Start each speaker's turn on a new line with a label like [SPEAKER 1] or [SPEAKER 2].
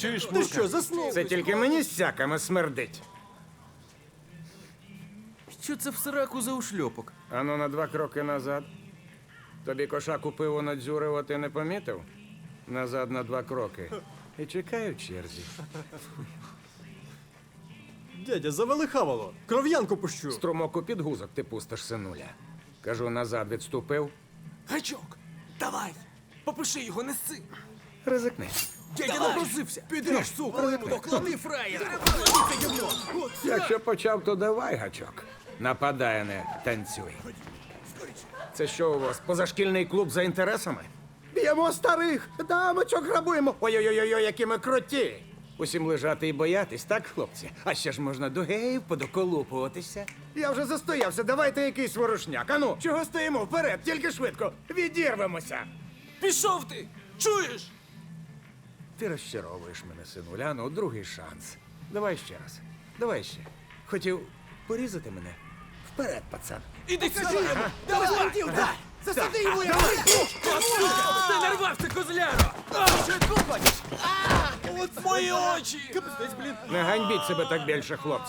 [SPEAKER 1] Чуєш,
[SPEAKER 2] Ти що, заснув?
[SPEAKER 3] Це тільки мені з сяками смердить.
[SPEAKER 1] Що це в сраку за ушльопок?
[SPEAKER 3] Ану на 2 кроки назад. Тобі кошаку пиво надзюрив, а ти не помітив? Назад на 2 кроки. І чекаю в черзі.
[SPEAKER 2] Дядя, завели хавало. Кров'янку пущу.
[SPEAKER 3] Струмок у підгузок ти пустиш, синуля. Кажу, назад відступив.
[SPEAKER 4] Гачок, давай, попиши його, неси.
[SPEAKER 3] Ризикни.
[SPEAKER 4] Дядя напросився. Підеш, сука, поклади фраєра.
[SPEAKER 3] Якщо почав, то давай, гачок. Нападай, а не танцюй. Це що у вас, позашкільний клуб за інтересами? Б'ємо старих, дамочок грабуємо. Ой-ой-ой, які ми круті. Усім лежати і боятись, так, хлопці? А ще ж можна до геїв подоколупуватися. Я вже застоявся, давайте якийсь ворушняк. Ану, чого стоїмо? Вперед, тільки швидко. Відірвемося.
[SPEAKER 4] Пішов ти, чуєш?
[SPEAKER 3] Ти розчаровуєш мене, синуля. Ну, другий шанс. Давай ще раз. Давай ще. Хотів порізати мене? Вперед, пацан.
[SPEAKER 4] Іди сюди. Давай, дай. Засади його, я Ти нарвався, козляро. Що ти хочеш? Мої очі.
[SPEAKER 3] Не ганьбіть себе так більше, хлопці.